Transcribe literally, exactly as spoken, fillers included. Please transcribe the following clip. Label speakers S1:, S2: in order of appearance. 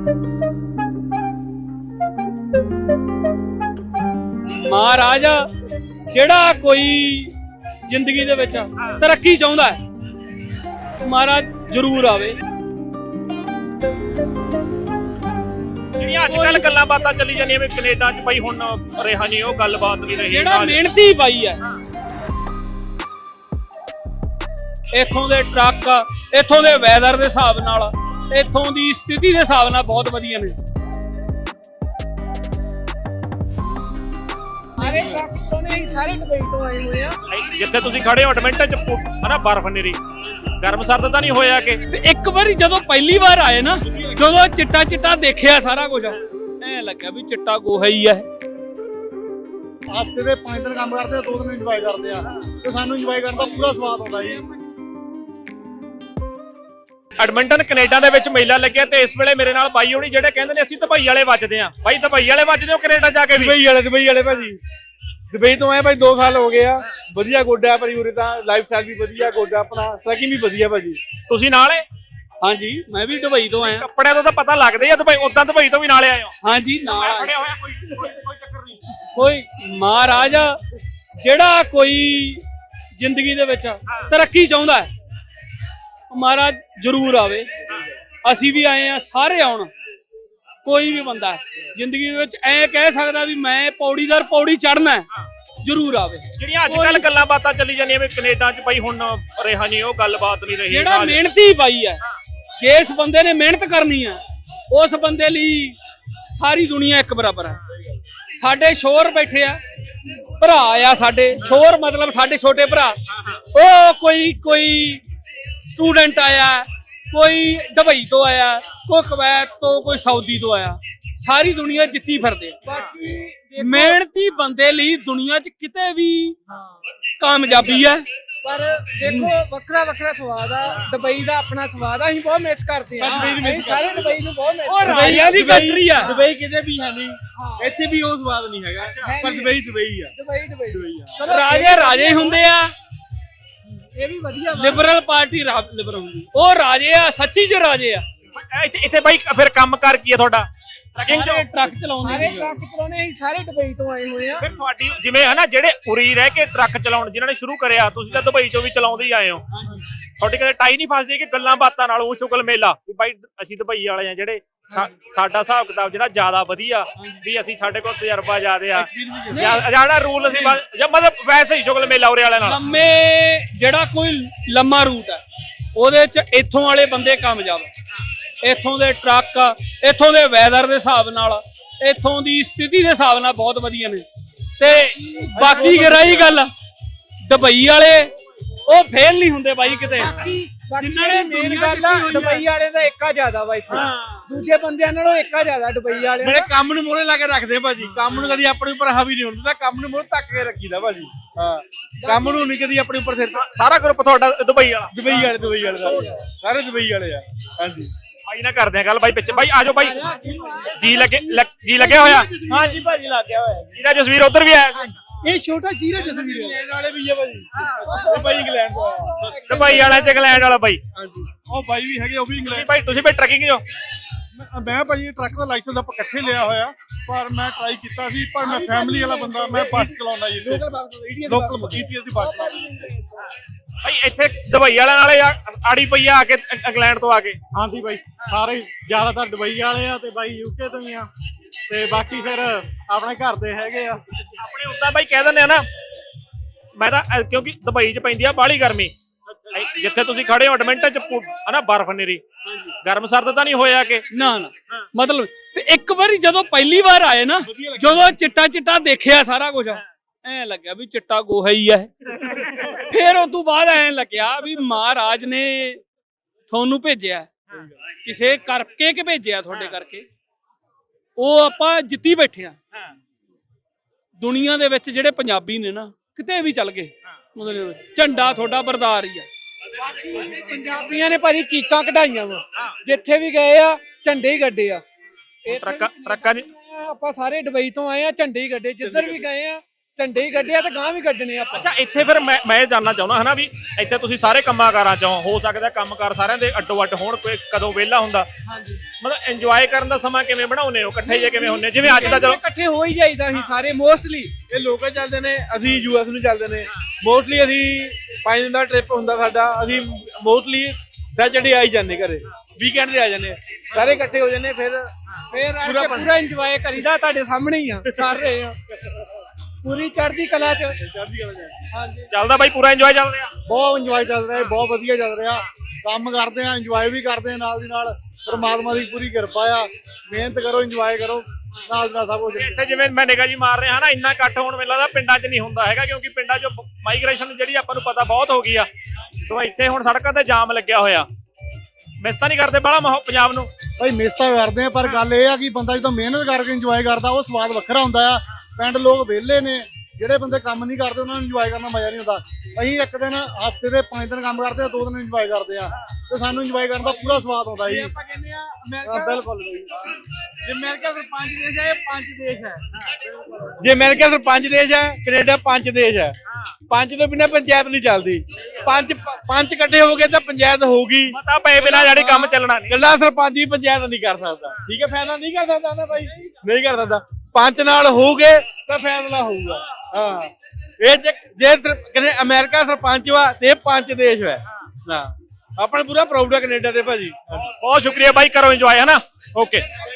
S1: महाराज जेड़ा कोई जिंदगी दे विच तरक्की चाहुंदा है महाराज जरूर आवे।
S2: ਜਿਹੜੀਆਂ ਅੱਜ ਕੱਲ ਗੱਲਾਂ ਬਾਤਾਂ ਚੱਲੀ ਜਾਂਦੀਆਂ ਵੀ ਕੈਨੇਡਾ ਚ ਬਈ ਹੁਣ ਰਿਹਾ ਨਹੀਂ ਉਹ ਗੱਲਬਾਤ ਨਹੀਂ ਰਹੀ
S1: ਜਿਹੜਾ ਮਿਹਨਤੀ ਬਾਈ ਹੈ ਇੱਥੋਂ ਦੇ ਟਰੱਕ ਇੱਥੋਂ ਦੇ ਵੈਦਰ ਦੇ ਹਿਸਾਬ ਨਾਲ ਇੱਥੋਂ ਦੀ ਸਥਿਤੀ ਦੇ ਹਿਸਾਬ ਨਾਲ ਬਹੁਤ ਵਧੀਆ ਨੇ।
S3: ਸਾਰੇ ਟਰੱਕ ਤੋਂ ਨੇ ਸਾਰੇ ਦੁਬਈ ਤੋਂ ਆਏ ਹੋਏ ਆ।
S2: ਜਿੱਥੇ ਤੁਸੀਂ ਖੜੇ ਹੋ ਐਡਮਿੰਟਨ ਚ ਹਨਾ ਬਰਫ਼ ਨੀਰੀ ਗਰਮ ਸਰਦ ਤਾਂ ਨਹੀਂ ਹੋਇਆ ਕਿ
S1: ਇੱਕ ਵਾਰੀ ਜਦੋਂ ਪਹਿਲੀ ਵਾਰ ਆਏ ਨਾ ਜਦੋਂ ਚਿੱਟਾ ਚਿੱਟਾ ਦੇਖਿਆ ਸਾਰਾ ਕੁਝ ਐ ਲੱਗਿਆ ਵੀ ਚਿੱਟਾ ਗੋਹਾ ਹੀ ਹੈ।
S4: ਹਫ਼ਤੇ ਦੇ ਪੰਜ ਦਿਨ ਕੰਮ ਕਰਦੇ ਆ, ਦੋ ਦਿਨ ਇੰਜੋਏ ਕਰਦੇ ਆ ਤੇ ਸਾਨੂੰ ਇੰਜੋਏ ਕਰਨ ਦਾ ਪੂਰਾ ਸਵਾਦ ਆਉਂਦਾ ਜੀ।
S2: ਐਡਮਿੰਟਨ ਕੈਨੇਡਾ ਦੇ ਵਿੱਚ ਮੇਲਾ ਲੱਗਿਆ ਤੇ ਇਸ ਵੇਲੇ ਮੇਰੇ ਨਾਲ ਬਾਈ ਹੋਣੀ ਜਿਹੜੇ ਕਹਿੰਦੇ ਨੇ ਅਸੀਂ ਦੁਬਈ ਵਾਲੇ ਵੱਜਦੇ ਆ। ਬਾਈ ਦੁਬਈ ਵਾਲੇ ਵੱਜਦੇ ਹੋ ਕੈਨੇਡਾ ਜਾ ਕੇ ਵੀ?
S5: ਦੁਬਈ ਵਾਲੇ ਦੁਬਈ ਵਾਲੇ ਭਾਜੀ ਦੁਬਈ ਤੋਂ ਆਏ ਭਾਈ ਦੋ ਸਾਲ ਹੋ ਗਏ ਆ। ਵਧੀਆ ਗੋਡਾ ਭਾਜੀ ਉਰੇ ਤਾਂ ਲਾਈਫ ਸਟਾਈਲ ਵੀ ਵਧੀਆ ਗੋਡਾ ਆਪਣਾ ਟਰੈਕਿੰਗ ਵੀ ਵਧੀਆ ਭਾਜੀ।
S2: ਤੁਸੀਂ ਨਾਲ ਏ?
S1: ਹਾਂਜੀ ਮੈਂ ਵੀ ਦੁਬਈ ਤੋਂ ਆਇਆ।
S2: ਕੱਪੜਿਆਂ ਤੋਂ ਤਾਂ ਪਤਾ ਲੱਗਦਾ ਹੀ ਆ ਦੁਬਈ ਉਦਾਂ ਦੁਬਈ ਤੋਂ ਵੀ ਨਾਲ ਆਏ ਹੋ?
S1: ਹਾਂਜੀ ਨਾਲ
S2: ਖੜੇ ਹੋਇਆ ਕੋਈ ਕੋਈ ਚੱਕਰ ਨਹੀਂ।
S1: ਕੋਈ ਮਹਾਰਾਜ ਜਿਹੜਾ ਕੋਈ ਜ਼ਿੰਦਗੀ ਦੇ ਵਿੱਚ ਤਰੱਕੀ ਚਾਹੁੰਦਾ ਹੈ ਮਹਾਰਾਜ ਜਰੂਰ ਆਵੇ। ਅਸੀਂ ਵੀ ਆਏ ਆ ਸਾਰੇ ਆਉਣ। ਕੋਈ ਵੀ ਬੰਦਾ ਜ਼ਿੰਦਗੀ ਦੇ ਵਿੱਚ ਐ ਕਹਿ ਸਕਦਾ ਵੀ ਮੈਂ ਪੌੜੀਦਾਰ ਪੌੜੀ ਚੜਨਾ ਜਰੂਰ ਆਵੇ।
S2: ਜਿਹੜੀਆਂ ਅੱਜ ਕੱਲ ਗੱਲਾਂ ਬਾਤਾਂ ਚੱਲੀ ਜਾਂਦੀਆਂ ਵੀ ਕੈਨੇਡਾ ਚ ਬਈ ਹੁਣ ਰਿਹਾ ਨਹੀਂ ਉਹ ਗੱਲਬਾਤ ਨਹੀਂ ਰਹੀ।
S1: ਜਿਹੜਾ ਮਿਹਨਤੀ ਬਾਈ ਹੈ ਜਿਸ ਬੰਦੇ ਨੇ ਮਿਹਨਤ ਕਰਨੀ ਹੈ ਉਸ ਬੰਦੇ ਲਈ ਸਾਰੀ ਦੁਨੀਆ ਇੱਕ ਬਰਾਬਰ ਹੈ। ਸਾਡੇ ਸ਼ੋਰ ਬੈਠੇ ਆ ਭਰਾ ਆ ਸਾਡੇ ਸ਼ੋਰ ਮਤਲਬ ਸਾਡੇ ਛੋਟੇ ਭਰਾ ਉਹ ਕੋਈ ਕੋਈ ਸਟੂਡੈਂਟ ਆਇਆ ਕੋਈ ਦੁਬਈ ਤੋਂ ਆਇਆ ਕੋਈ ਕੁਵੈਤ ਤੋਂ ਕੋਈ ਸਾਊਦੀ ਤੋਂ ਆਇਆ ਸਾਰੀ ਦੁਨੀਆ ਜਿੱਤੀ ਫਿਰਦੇ। ਬਾਕੀ ਮਿਹਨਤੀ ਬੰਦੇ ਲਈ ਦੁਨੀਆ 'ਚ ਕਿਤੇ ਵੀ ਕਾਮਯਾਬੀ ਹੈ।
S3: ਪਰ ਦੇਖੋ ਵੱਖਰਾ ਵੱਖਰਾ ਸਵਾਦ ਆ। ਦੁਬਈ ਦਾ ਆਪਣਾ ਸਵਾਦ ਆ ਅਸੀਂ ਬਹੁਤ ਮਿਸ ਕਰਦੇ ਆ। ਅਸੀਂ ਸਾਰੇ ਦੁਬਈ ਨੂੰ ਬਹੁਤ ਮਿਸ ਕਰਦੇ ਆ।
S1: ਰਾਜਿਆਂ ਦੀ ਕੰਟਰੀ ਆ
S5: ਦੁਬਈ ਕਿਤੇ ਵੀ ਹੈ ਨਹੀਂ ਇੱਥੇ ਵੀ ਉਹ ਸਵਾਦ ਨਹੀਂ ਹੈਗਾ ਪਰ ਦੁਬਈ ਦੁਬਈ ਆ।
S3: ਦੁਬਈ ਦੁਬਈ
S1: ਰਾਜੇ ਰਾਜੇ ਹੁੰਦੇ ਆ।
S3: ਇਹ ਵੀ ਵਧੀਆ
S1: ਲਿਬਰਲ ਪਾਰਟੀ ਲਿਬਰਲ ਹੁੰਦੀ ਉਹ ਰਾਜੇ ਆ ਸੱਚੀ ਚ ਰਾਜੇ ਆ।
S2: ਇੱਥੇ ਇੱਥੇ ਬਾਈ ਫਿਰ ਕੰਮ ਕਰ ਕੀ ਆ ਤੁਹਾਡਾ?
S1: ਟਰੱਕਿੰਗ ਟਰੱਕ ਚਲਾਉਂਦੇ
S3: ਸਾਰੇ ਟਰੱਕ ਚਲਾਉਣੇ ਅਸੀਂ ਸਾਰੇ ਦੁਬਈ ਤੋਂ ਆਏ ਹੋਏ ਆ।
S2: ਫਿਰ ਤੁਹਾਡੀ ਜਿਵੇਂ ਹਨਾ ਜਿਹੜੇ ਉਰੀ ਰਹਿ ਕੇ ਟਰੱਕ ਚਲਾਉਣ ਜਿਨ੍ਹਾਂ ਨੇ ਸ਼ੁਰੂ ਕਰਿਆ ਤੁਸੀਂ ਤਾਂ ਦੁਬਈ ਚੋਂ ਵੀ ਚਲਾਉਂਦੇ ਹੀ ਆਏ ਹੋ। ਤੁਹਾਡੀ ਕਦੇ ਟਾਈ ਨਹੀਂ ਫਸਦੀ ਕਿ ਗੱਲਾਂ ਬਾਤਾਂ ਨਾਲ ਉਹ ਸ਼ੁਗਲ ਮੇਲਾ ਵੀ ਬਾਈ ਅਸੀਂ ਦੁਬਈ ਵਾਲੇ ਆ ਜਿਹੜੇ ਸਾਡਾ ਹਿਸਾਬ ਕਿਤਾਬ ਜਿਹੜਾ ਜ਼ਿਆਦਾ ਵਧੀਆ ਵੀ ਅਸੀਂ ਸਾਡੇ ਕੋਲ ਤਜਰਬਾ ਜ਼ਿਆਦਾ ਆ ਜਿਹੜਾ ਰੂਲ ਅਸੀਂ ਜਾਂ ਮਤਲਬ ਵੈਸੇ ਹੀ ਸ਼ੁਗਲ ਮੇਲਾ ਉਰੇ ਵਾਲਿਆਂ ਨਾਲ
S1: ਲੰਮੇ ਜਿਹੜਾ ਕੋਈ ਲੰਮਾ ਰੂਟ ਹੈ ਉਹਦੇ ਚ ਇੱਥੋਂ ਵਾਲੇ ਬੰਦੇ ਕਾਮਯਾਬ ਇੱਥੋਂ ਦੇ ਟਰੱਕ ਇੱਥੋਂ ਦੇ ਵੈਦਰ ਦੇ ਹਿਸਾਬ ਨਾਲ ਇੱਥੋਂ ਦੀ ਸਥਿਤੀ ਦੇ ਹਿਸਾਬ ਨਾਲ ਬਹੁਤ ਵਧੀਆ ਨੇ। ਤੇ ਬਾਕੀ ਰਹੀ ਗੱਲ ਦੁਬਈ ਵਾਲੇ ਉਹ ਫੇਲ ਨਹੀਂ ਹੁੰਦੇ ਬਾਈ ਕਿਤੇ।
S3: ਜਿੰਨਾਂ ਨੇ ਮੇਨ ਗੱਲ ਆ ਦੁਬਈ ਵਾਲੇ ਦਾ ਏਕਾ ਜ਼ਿਆਦਾ ਵਾ ਇੱਥੇ ਦੂਜੇ ਬੰਦਿਆਂ ਨਾਲੋਂ ਏਕਾ ਜ਼ਿਆਦਾ ਦੁਬਈ ਵਾਲੇ
S5: ਮੇਰੇ ਕੰਮ ਨੂੰ ਮੋਹਰੇ ਲਾ ਕੇ ਰੱਖਦੇ ਭਾਜੀ। ਕੰਮ ਨੂੰ ਕਦੀ ਆਪਣੇ ਉੱਪਰ ਹਾਵੀ ਨਹੀਂ ਹੋਣ ਦਿੰਦਾ ਕੰਮ ਨੂੰ ਮੋਹਰੇ ਤੱਕ ਕੇ ਰੱਖੀਦਾ ਭਾਜੀ। ਹਾਂ ਕੰਮ ਨੂੰ ਨਹੀਂ ਕਦੀ ਆਪਣੇ ਉੱਪਰ ਸਿਰ
S2: ਸਾਰਾ ਗਰੁੱਪ ਤੁਹਾਡਾ ਦੁਬਈ ਵਾਲਾ?
S5: ਦੁਬਈ ਵਾਲੇ ਦੁਬਈ ਵਾਲੇ ਸਾਰੇ ਦੁਬਈ ਵਾਲੇ ਆ। ਹਾਂਜੀ
S2: ਬਾਈ ਨਾਲ ਕਰਦੇ ਆ ਗੱਲ ਬਾਈ ਪਿੱਛੇ ਬਾਈ ਆਜੋ ਬਾਈ ਜੀ ਲੱਗੇ ਜੀ ਲੱਗਿਆ ਹੋਇਆ?
S4: ਹਾਂਜੀ ਭਾਜੀ ਲੱਗ ਗਿਆ ਹੋਇਆ।
S2: ਜਿਹੜਾ ਜਸਵੀਰ ਉਧਰ ਵੀ ਆਇਆ
S4: ਇਹ ਛੋਟਾ ਜੀਰਾ ਜਸਵੀਰ
S5: ਵਾਲੇ ਵੀ ਆ ਭਾਜੀ। ਉਹ ਭਾਈ ਇੰਗਲੈਂਡ ਤੋਂ ਆਇਆ
S2: ਦੁਬਈ ਵਾਲਾ ਚ ਇੰਗਲੈਂਡ ਵਾਲਾ ਬਾਈ।
S4: ਹਾਂਜੀ ਉਹ ਬਾਈ ਵੀ ਹੈਗੇ ਉਹ ਵੀ ਇੰਗਲੈਂਡ।
S2: ਬਾਈ ਤੁਸੀਂ ਵੀ ਟਰੱਕਿੰਗ ਜੋ?
S4: ਮੈਂ ਭਾਜੀ ਟਰੱਕ ਦਾ ਲਾਇਸੈਂਸ ਆਪਾਂ ਇਕੱਠੇ ਲਿਆ ਹੋਇਆ ਪਰ ਮੈਂ ਟਰਾਈ ਕੀਤਾ ਸੀ ਪਰ ਮੈਂ ਫੈਮਿਲੀ ਵਾਲਾ ਬੰਦਾ ਮੈਂ ਬੱਸ ਚਲਾਉਂਦਾ ਜੀ ਲੋਕਲ ਈਟੀਐਸ ਦੀ ਬੱਸ ਚਲਾਉਂਦਾ।
S2: ਭਾਈ ਇੱਥੇ ਦੁਬਈ ਵਾਲਿਆਂ ਨਾਲੇ ਆੜੀ ਪਈ ਆ ਕੇ ਇੰਗਲੈਂਡ ਤੋਂ ਆ ਕੇ?
S4: ਹਾਂਜੀ ਬਾਈ ਸਾਰੇ ਜ਼ਿਆਦਾਤਰ ਦੁਬਈ ਵਾਲੇ ਆ ਤੇ ਬਾਈ ਯੂਕੇ ਤੋਂ ਹੀ ਆ ਤੇ ਬਾਕੀ ਫਿਰ ਆਪਣੇ ਘਰ ਦੇ ਹੈਗੇ ਆ
S2: ਆਪਣੇ ਉੱਦਾਂ ਬਾਈ ਕਹਿ ਦਿੰਦੇ ਆ ਨਾ ਮੈਂ ਤਾਂ ਕਿਉਂਕਿ ਦੁਬਈ 'ਚ ਪੈਂਦੀ ਆ ਬਾਹਲੀ ਗਰਮੀ ਜਿੱਥੇ ਤੁਸੀਂ ਖੜੇ ਹੋ ਐਡਮਿੰਟਨ 'ਚ ਹਨਾ ਬਰਫ਼ ਨੀਰੀ ਗਰਮ ਸਰਦ ਤਾਂ ਨਹੀਂ ਹੋਇਆ ਕਿ
S1: ਨਾ ਨਾ ਮਤਲਬ ਤੇ ਇੱਕ ਵਾਰੀ ਜਦੋਂ ਪਹਿਲੀ ਵਾਰ ਆਏ ਨਾ ਜਦੋਂ ਚਿੱਟਾ ਚਿੱਟਾ ਦੇਖਿਆ ਸਾਰਾ ਕੁਝ ਐ ਲੱਗਿਆ ਵੀ ਚਿੱਟਾ ਗੋਹਾ ਹੀ ਹੈ। ਫਿਰ ਉਸ ਤੋਂ ਬਾਅਦ ਐ ਲੱਗਿਆ ਵੀ ਮਹਾਰਾਜ ਨੇ ਤੁਹਾਨੂੰ ਭੇਜਿਆ ਕਿਸੇ ਕਰਕੇ ਕਿ ਭੇਜਿਆ ਤੁਹਾਡੇ ਕਰਕੇ ਉਹ ਆਪਾਂ ਜਿੱਤੀ ਬੈਠੇ ਆ। ਦੁਨੀਆ ਦੇ ਵਿੱਚ ਜਿਹੜੇ ਪੰਜਾਬੀ ਨੇ ਨਾ ਕਿਤੇ ਵੀ ਚੱਲ ਗਏ ਉਹਦੇ ਵਿੱਚ ਝੰਡਾ ਤੁਹਾਡਾ ਬਰਦਾਰ ਹੀ ਆ।
S3: ਪੰਜਾਬੀਆਂ ਨੇ ਭਾਜੀ ਚੀਕਾਂ ਕਢਾਈਆਂ ਵਾ ਜਿੱਥੇ ਵੀ ਗਏ ਆ ਝੰਡੇ ਹੀ ਗੱਡੇ ਆ।
S2: ਟਰੱਕਾਂ ਟਰੱਕਾਂ ਦੀ
S3: ਆਪਾਂ ਸਾਰੇ ਦੁਬਈ ਤੋਂ ਆਏ ਆ ਝੰਡੇ ਹੀ ਗੱਡੇ ਜਿੱਧਰ ਵੀ ਗਏ ਆ ਝੰਡੇ ਹੀ ਗੱਡੇ ਆ ਤੇ ਗਾਂ ਵੀ ਗੱਡਣੇ ਆਪਾਂ।
S2: ਅੱਛਾ ਇੱਥੇ ਫਿਰ ਮੈਂ ਮੈਂ ਇਹ ਜਾਣਨਾ ਚਾਹੁੰਦਾ ਹਨਾ ਵੀ ਇੱਥੇ ਤੁਸੀਂ ਸਾਰੇ ਕੰਮਾਂ-ਕਾਰਾਂ ਚੋਂ ਹੋ ਸਕਦਾ ਕੰਮਕਾਰ ਸਾਰਿਆਂ ਦੇ ਅੱਡੋ-ਅੱਡ ਹੋਣ, ਕੋਈ ਕਦੋਂ ਵਿਹਲਾ ਹੁੰਦਾ,
S3: ਹਾਂਜੀ
S2: ਮਤਲਬ ਇੰਜੋਏ ਕਰਨ ਦਾ ਸਮਾਂ ਕਿਵੇਂ ਬਣਾਉਂਦੇ ਹੋ, ਇਕੱਠੇ ਜੇ ਕਿਵੇਂ ਹੁੰਦੇ, ਜਿਵੇਂ ਅੱਜ ਦਾ ਚਲੋ
S3: ਇਕੱਠੇ ਹੋ ਹੀ ਜਾਈਦਾ ਅਸੀਂ ਸਾਰੇ ਮੋਸਟਲੀ।
S5: ਇਹ ਲੋਕਾਂ ਚੱਲਦੇ ਨੇ, ਅਸੀਂ ਯੂਐਸ ਨੂੰ ਚੱਲਦੇ ਨੇ ਮੋਸਟਲੀ। ਅਸੀਂ ਪੰਜ ਦਿਨ ਦਾ ਟ੍ਰਿਪ ਹੁੰਦਾ ਸਾਡਾ, ਅਸੀਂ ਮੋਸਟਲੀ ਸੈਚਰਡੇ ਆ ਹੀ ਜਾਂਦੇ ਘਰੇ, ਵੀਕਐਂਡ ਤੇ ਆ ਜਾਂਦੇ ਸਾਰੇ ਇਕੱਠੇ ਹੋ ਜਾਂਦੇ। ਫਿਰ
S3: ਫੇਰ ਆ ਕੇ ਪੂਰਾ ਇੰਜੋਏ ਕਰੀਦਾ, ਤੁਹਾਡੇ ਸਾਹਮਣੇ ਹੀ ਆ ਕਰ ਰਹੇ ਆ ਪੂਰੀ ਚੜ੍ਹਦੀ ਕਲਾ ਚ। ਹਾਂਜੀ
S2: ਚੱਲਦਾ ਬਾਈ, ਪੂਰਾ ਇੰਜੋਏ ਚੱਲ ਰਿਹਾ।
S4: ਬਹੁਤ ਇੰਜੋਏ ਚੱਲ ਰਿਹਾ, ਬਹੁਤ ਵਧੀਆ ਚੱਲ ਰਿਹਾ। ਕੰਮ ਕਰਦੇ ਆ, ਇੰਜੋਏ ਵੀ ਕਰਦੇ ਆ ਨਾਲ ਦੀ ਨਾਲ। ਪਰਮਾਤਮਾ ਦੀ ਪੂਰੀ ਕਿਰਪਾ ਆ, ਮਿਹਨਤ ਕਰੋ, ਇੰਜੋਏ ਕਰੋ, ਨਾਲ ਦੀ ਨਾਲ ਸਭ ਕੁਝ।
S2: ਇੱਥੇ ਜਿਵੇਂ ਮੈਂ ਨਿਗਾਹ ਜੀ ਮਾਰ ਰਿਹਾ ਹਾਂ ਨਾ, ਇੰਨਾ ਇਕੱਠ ਹੋਣ ਮੈਨੂੰ ਲੱਗਦਾ ਪਿੰਡਾਂ 'ਚ ਨਹੀਂ ਹੁੰਦਾ ਹੈਗਾ, ਕਿਉਂਕਿ ਪਿੰਡਾਂ 'ਚ ਮਾਈਗ੍ਰੇਸ਼ਨ ਜਿਹੜੀ ਆਪਾਂ ਨੂੰ ਪਤਾ ਬਹੁਤ ਹੋ ਗਈ ਆ। ਸੋ ਇੱਥੇ ਹੁਣ ਸੜਕਾਂ ਤੇ ਜਾਮ ਲੱਗਿਆ ਹੋਇਆ, ਮਿਸ ਤਾਂ ਨਹੀਂ ਕਰਦੇ ਬਾਹਲਾ ਮਾਹੌਲ ਪੰਜਾਬ ਨੂੰ?
S4: ਭਾਈ ਮਿਸ ਤਾਂ ਕਰਦੇ ਆ, ਪਰ ਗੱਲ ਇਹ ਆ ਕਿ ਬੰਦਾ ਜਦੋਂ ਮਿਹਨਤ ਕਰਕੇ ਇੰਜੋਏ ਕਰਦਾ ਉਹ ਸਵਾਦ ਵੱਖਰਾ ਹੁੰਦਾ ਆ। ਪਿੰਡ ਲੋਕ ਵਿਹਲੇ ਨੇ, ਜਿਹੜੇ ਬੰਦੇ ਕੰਮ ਨਹੀਂ ਕਰਦੇ ਉਹਨਾਂ ਨੂੰ ਇੰਜੋਏ ਕਰਨ ਦਾ ਮਜ਼ਾ ਨਹੀਂ ਹੁੰਦਾ। ਅਸੀਂ ਇੱਕ ਦਿਨ ਹਫ਼ਤੇ ਦੇ ਪੰਜ ਦਿਨ ਕੰਮ ਕਰਦੇ ਆ, ਦੋ ਦਿਨ ਇੰਜੋਏ ਕਰਦੇ ਆ, ਤੇ ਸਾਨੂੰ ਇੰਜੋਏ ਕਰਨ ਦਾ ਪੂਰਾ ਸਵਾਦ ਆਉਂਦਾ ਜੀ।
S3: ਆਪਾਂ ਕਹਿੰਦੇ ਆ
S4: ਹਾਂ,
S3: ਅਮਰੀਕਾ,
S4: ਬਿਲਕੁਲ ਬਈ।
S3: ਜੇ ਅਮਰੀਕਾ ਫਿਰ ਪੰਜ ਦੇਸ਼ ਹੈ, ਇਹ ਪੰਜ ਦੇਸ਼ ਹੈ।
S5: ਜੇ ਅਮਰੀਕਾ ਸਿਰ ਪੰਜ ਦੇਸ਼ ਹੈ, ਕੈਨੇਡਾ ਪੰਜ ਦੇਸ਼ ਹੈ। ਪੰਜ ਤੋਂ ਬਿਨਾਂ ਪੰਚਾਇਤ ਨਹੀਂ ਚੱਲਦੀ। ਪੰਜ ਪੰਜ ਇਕੱਠੇ ਹੋ ਗਏ ਤਾਂ ਪੰਚਾਇਤ ਹੋਊਗੀ।
S2: ਮਤਾ ਪਏ ਬਿਨਾਂ ਜਿਹੜੀ ਕੰਮ ਚੱਲਣਾ ਨਹੀਂ।
S5: ਗੱਲਾਂ ਸਰਪੰਚ ਵੀ ਪੰਚਾਇਤ ਨਹੀਂ ਕਰ ਸਕਦਾ, ਠੀਕ ਹੈ, ਫੈਸਲਾ ਨਹੀਂ ਕਰ ਸਕਦਾ ਨਾ ਭਾਈ, ਨਹੀਂ ਕਰ ਸਕਦਾ। ਪੰਜ ਨਾਲ ਹੋਊਗੇ ਤਾਂ ਫੈਸਲਾ ਹੋਊਗਾ। ਹਾਂ, ਇਹ ਜੇ ਜੇ ਸਿਰ- ਅਮਰੀਕਾ ਸਰਪੰਚ ਵਾ ਤੇ ਇਹ ਪੰਜ ਦੇਸ਼ ਹੈ। ਹਾਂ, ਆਪਾਂ ਨੂੰ ਪੂਰਾ ਪ੍ਰਾਊਡ ਹੈ ਕੈਨੇਡਾ ਤੇ ਭਾਜੀ।
S2: ਬਹੁਤ ਸ਼ੁਕਰੀਆ ਬਾਈ, ਕਰੋ ਇੰਜੋਏ ਹਨਾ। ਓਕੇ।